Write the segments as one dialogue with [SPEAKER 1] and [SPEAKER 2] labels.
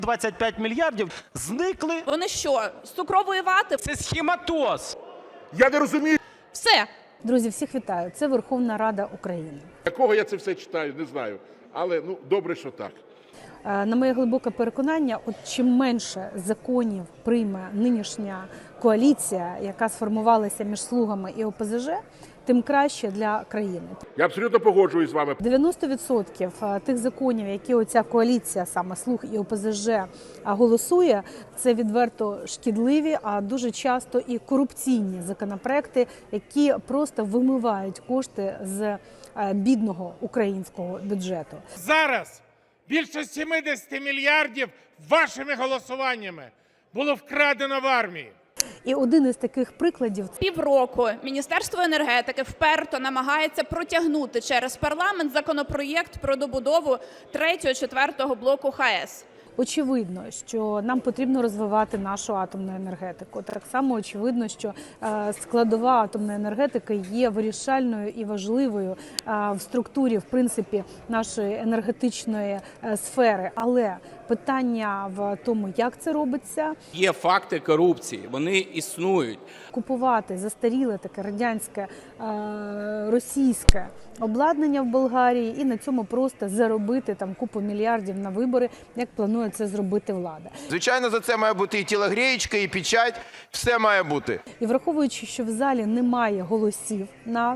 [SPEAKER 1] 25 мільярдів зникли.
[SPEAKER 2] Вони що, з цукрової вати?
[SPEAKER 1] Це схематоз.
[SPEAKER 3] Я не розумію,
[SPEAKER 2] Все.
[SPEAKER 4] Друзі, всіх вітаю. Це Верховна Рада України.
[SPEAKER 3] якого я це все читаю, не знаю. Але добре, що так.
[SPEAKER 4] На моє глибоке переконання, от чим менше законів прийме нинішня коаліція, яка сформувалася між «Слугами» і ОПЗЖ, тим краще для країни.
[SPEAKER 3] Я абсолютно погоджуюсь з вами.
[SPEAKER 4] 90% тих законів, які оця коаліція, саме «Слуг» і ОПЗЖ, голосує, це відверто шкідливі, а дуже часто і корупційні законопроекти, які просто вимивають кошти з бідного українського бюджету.
[SPEAKER 5] Зараз більше 70 мільярдів вашими голосуваннями було вкрадено в армії.
[SPEAKER 4] І один із таких прикладів –
[SPEAKER 2] Півроку Міністерство енергетики вперто намагається протягнути через парламент законопроєкт про добудову 3-4 блоку ХАЕС.
[SPEAKER 4] очевидно, що нам потрібно розвивати нашу атомну енергетику. Так само очевидно, що складова атомної енергетики є вирішальною і важливою в структурі, в принципі, нашої енергетичної сфери. Але питання в тому, як це робиться.
[SPEAKER 6] Є факти корупції, вони існують.
[SPEAKER 4] Купувати застаріле таке радянське, російське обладнання в Болгарії і на цьому просто заробити там купу мільярдів на вибори, як планує це зробити влада.
[SPEAKER 7] Звичайно, за це має бути і тілогрієчка, і печать, все має бути.
[SPEAKER 4] І враховуючи, що в залі немає голосів на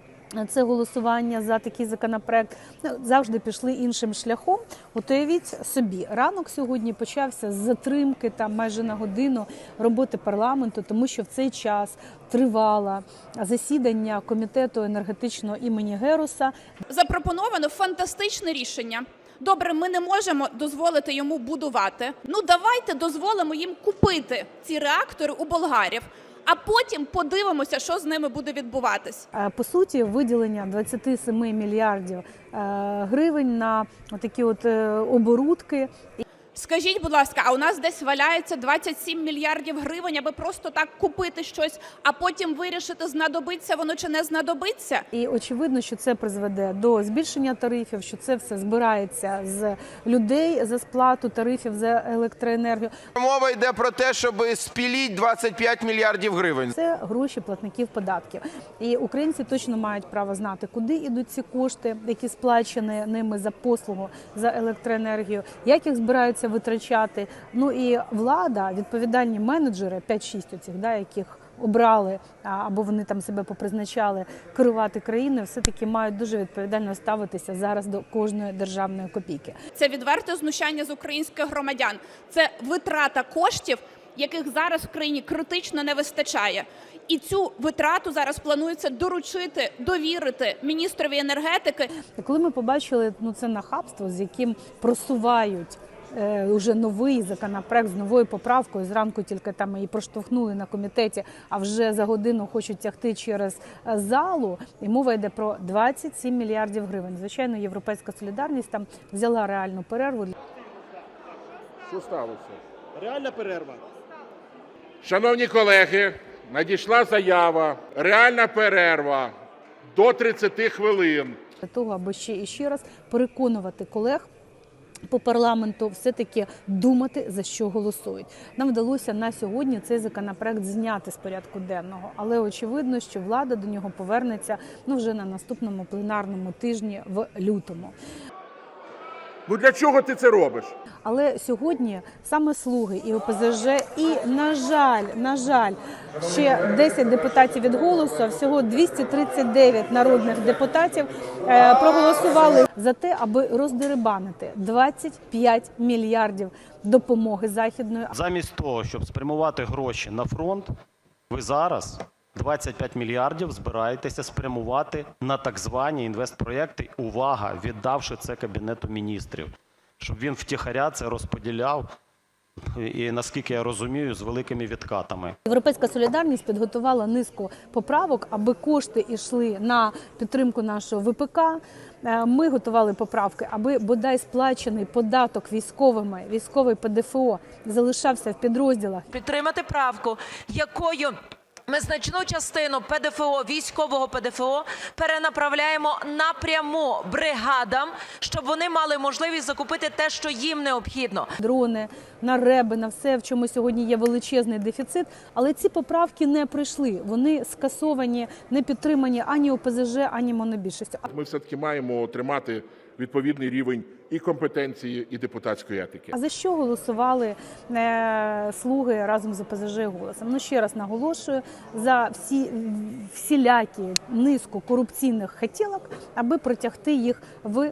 [SPEAKER 4] це голосування за такий законопроект, завжди пішли іншим шляхом. От уявіть собі, ранок сьогодні почався з затримки там майже на годину роботи парламенту, тому що в цей час тривало засідання комітету енергетичного імені Геруса.
[SPEAKER 2] Запропоновано фантастичне рішення. Добре, ми не можемо дозволити йому будувати. Ну давайте дозволимо їм купити ці реактори у болгарів, а потім подивимося, що з ними буде відбуватись.
[SPEAKER 4] По суті, виділення 27 мільярдів гривень на такі от оборудки.
[SPEAKER 2] Скажіть, будь ласка, а у нас десь валяється 27 мільярдів гривень, аби просто так купити щось, а потім вирішити, знадобиться воно чи не знадобиться?
[SPEAKER 4] І очевидно, що це призведе до збільшення тарифів, що це все збирається з людей за сплату тарифів за електроенергію.
[SPEAKER 7] Мова йде про те, щоб спіліть 25 мільярдів гривень.
[SPEAKER 4] Це гроші платників податків. І українці точно мають право знати, куди йдуть ці кошти, які сплачені ними за послугу, за електроенергію, як їх збираються витрачати. Ну і влада, відповідальні менеджери, 5-6 оцих, яких обрали, або вони там себе попризначали керувати країною, все-таки мають дуже відповідально ставитися зараз до кожної державної копійки.
[SPEAKER 2] Це відверте знущання з українських громадян. Це витрата коштів, яких зараз в країні критично не вистачає. І цю витрату зараз планується доручити, довірити міністрові енергетики.
[SPEAKER 4] Коли ми побачили це нахабство, з яким просувають уже новий законопроект з новою поправкою, зранку тільки там її проштовхнули на комітеті, а вже за годину хочуть тягти через залу, і мова йде про 27 мільярдів гривень. Звичайно, Європейська солідарність там взяла реальну перерву.
[SPEAKER 3] Що сталося?
[SPEAKER 5] Реальна перерва.
[SPEAKER 3] Шановні колеги, надійшла заява. Реальна перерва до 30 хвилин.
[SPEAKER 4] Для того, аби ще і ще раз переконувати колег по парламенту все-таки думати, за що голосують. Нам вдалося на сьогодні цей законопроект зняти з порядку денного, але очевидно, що влада до нього повернеться вже на наступному пленарному тижні в лютому.
[SPEAKER 3] Для чого ти це робиш?
[SPEAKER 4] Але сьогодні саме «Слуги» і ОПЗЖ, і, на жаль, ще 10 депутатів від «Голосу», а всього 239 народних депутатів проголосували за те, аби роздерибанити 25 мільярдів допомоги західної.
[SPEAKER 1] Замість того, щоб спрямувати гроші на фронт, ви зараз 25 мільярдів збираєтеся спрямувати на так звані інвестпроєкти, увага, віддавши це Кабінету міністрів, щоб він втіхаря це розподіляв, і, наскільки я розумію, з великими відкатами.
[SPEAKER 4] Європейська солідарність підготувала низку поправок, аби кошти йшли на підтримку нашого ВПК. Ми готували поправки, аби бодай сплачений податок військовими, військовий ПДФО залишався в підрозділах.
[SPEAKER 8] Підтримати правку, якою Ми значну частину ПДФО, військового ПДФО, перенаправляємо напряму бригадам, щоб вони мали можливість закупити те, що їм необхідно.
[SPEAKER 4] Дрони, на РЕБи, на все, в чому сьогодні є величезний дефіцит. Але ці поправки не прийшли. Вони скасовані, не підтримані ані ОПЗЖ, ані монобільшістю.
[SPEAKER 3] Ми все-таки маємо тримати відповідний рівень і компетенції, і депутатської етики.
[SPEAKER 4] А за що голосували слуги разом з ОПЗЖ і «Голосом»? Ну, ще раз наголошую, за всілякі низку корупційних хотілок, аби протягти їх в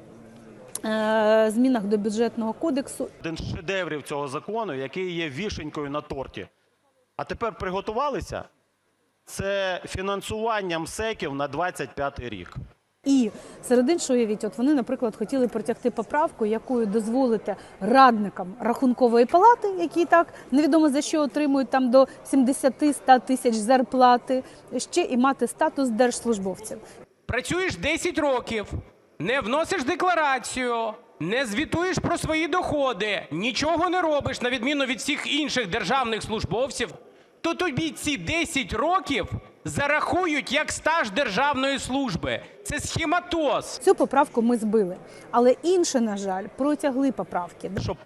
[SPEAKER 4] змінах до бюджетного кодексу.
[SPEAKER 1] Один з шедеврів цього закону, який є вішенькою на торті. А тепер приготувалися? Це фінансування МСЕКів на 25-й рік.
[SPEAKER 4] І серед іншого, уявіть, от вони, наприклад, хотіли протягти поправку, якою дозволити радникам Рахункової палати, які так невідомо за що отримують там до 70-100 тисяч зарплати, ще і мати статус держслужбовців.
[SPEAKER 9] Працюєш 10 років, не вносиш декларацію, не звітуєш про свої доходи, нічого не робиш, на відміну від всіх інших державних службовців, то тобі ці 10 років зарахують як стаж державної служби. Це схематоз.
[SPEAKER 4] Цю поправку ми збили, але інші, на жаль, протягли поправки.
[SPEAKER 1] Щоб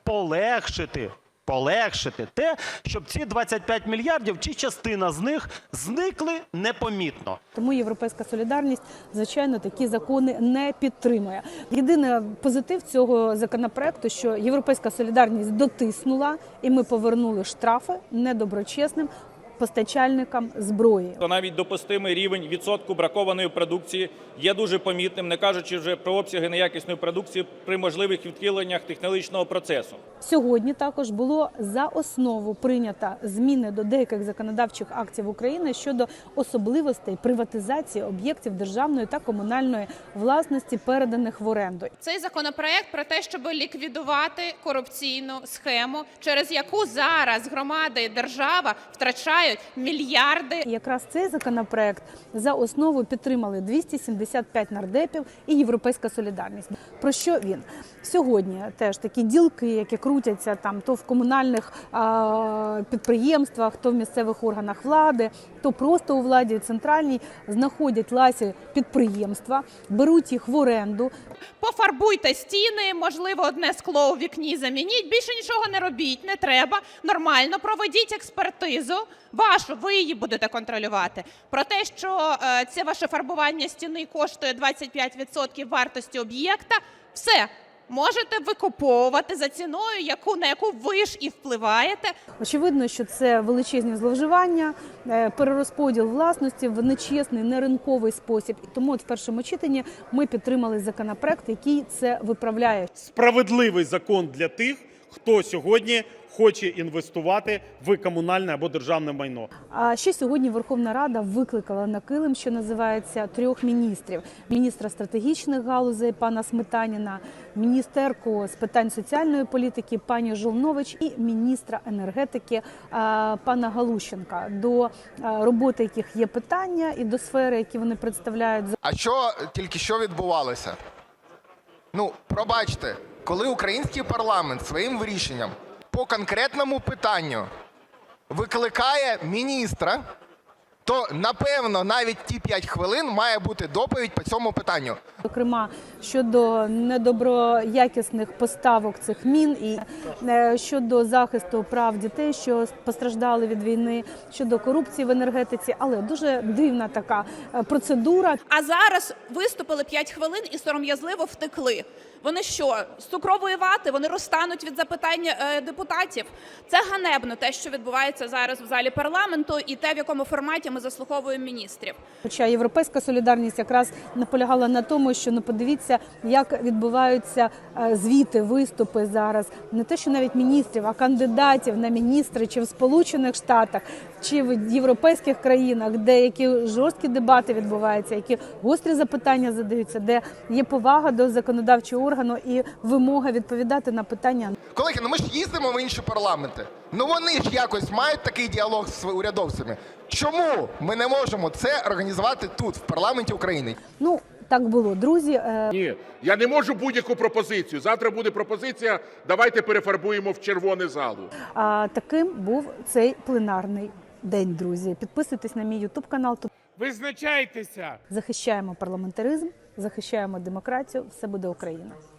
[SPEAKER 1] полегшити те, щоб ці 25 мільярдів чи частина з них зникли непомітно.
[SPEAKER 4] Тому «Європейська солідарність», звичайно, такі закони не підтримує. Єдиний позитив цього законопроекту, що «Європейська солідарність» дотиснула, і ми повернули штрафи недоброчесним постачальникам зброї.
[SPEAKER 10] То навіть допустимий рівень відсотку бракованої продукції є дуже помітним, не кажучи вже про обсяги неякісної продукції при можливих відхиленнях технологічного процесу.
[SPEAKER 4] Сьогодні також було за основу прийнято зміни до деяких законодавчих актів України щодо особливостей приватизації об'єктів державної та комунальної власності, переданих в оренду.
[SPEAKER 2] Цей законопроект про те, щоб ліквідувати корупційну схему, через яку зараз громада і держава втрачають мільярди.
[SPEAKER 4] Якраз цей законопроект за основу підтримали 275 нардепів і «Європейська солідарність». Про що він? Сьогодні теж такі ділки, які крутяться там то в комунальних підприємствах, то в місцевих органах влади, то просто у владі центральній, знаходять ласі підприємства, беруть їх в оренду.
[SPEAKER 2] Пофарбуйте стіни, можливо, одне скло у вікні замініть, більше нічого не робіть, не треба, нормально проведіть експертизу вашу, ви її будете контролювати. Про те, що це ваше фарбування стіни коштує 25% вартості об'єкта, все. Можете викуповувати за ціною, на яку ви ж і впливаєте.
[SPEAKER 4] Очевидно, що це величезні зловживання, перерозподіл власності в нечесний, неринковий спосіб. І тому от в першому читанні ми підтримали законопроект, який це виправляє.
[SPEAKER 5] Справедливий закон для тих, хто сьогодні хоче інвестувати в комунальне або державне майно.
[SPEAKER 4] А ще сьогодні Верховна Рада викликала на килим, що називається, 3 міністрів. Міністра стратегічних галузей пана Сметаніна, міністерку з питань соціальної політики пані Жолнович і міністра енергетики пана Галущенка, до роботи яких є питання і до сфери, які вони представляють.
[SPEAKER 7] А що тільки що відбувалося? Ну, пробачте, коли український парламент своїм рішенням по конкретному питанню викликає міністра, то, напевно, навіть ті 5 хвилин має бути доповідь по цьому питанню.
[SPEAKER 4] Зокрема, щодо недоброякісних поставок цих мін і щодо захисту прав дітей, що постраждали від війни, щодо корупції в енергетиці, але дуже дивна така процедура.
[SPEAKER 2] А зараз виступили 5 хвилин і сором'язливо втекли. Вони що, з цукрової вати? Вони розтануть від запитань депутатів? Це ганебно, те, що відбувається зараз в залі парламенту, і те, в якому форматі ми заслуховуємо міністрів.
[SPEAKER 4] Хоча «Європейська солідарність» якраз наполягала на тому, що подивіться, як відбуваються звіти, виступи зараз. Не те, що навіть міністрів, а кандидатів на міністри чи в Сполучених Штатах, чи в європейських країнах, де які жорсткі дебати відбуваються, які гострі запитання задаються, де є повага до законодавчого органу і вимога відповідати на питання.
[SPEAKER 7] Колеги, ми ж їздимо в інші парламенти. Вони ж якось мають такий діалог з урядовцями. Чому ми не можемо це організувати тут, в парламенті України?
[SPEAKER 4] Так було, друзі.
[SPEAKER 3] Ні, я не можу будь-яку пропозицію. Завтра буде пропозиція, давайте перефарбуємо в червоне залу.
[SPEAKER 4] Таким був цей пленарний день, друзі. Підписуйтесь на мій YouTube канал. Тут
[SPEAKER 11] Визначайтеся!
[SPEAKER 4] захищаємо парламентаризм, захищаємо демократію. Все буде Україна.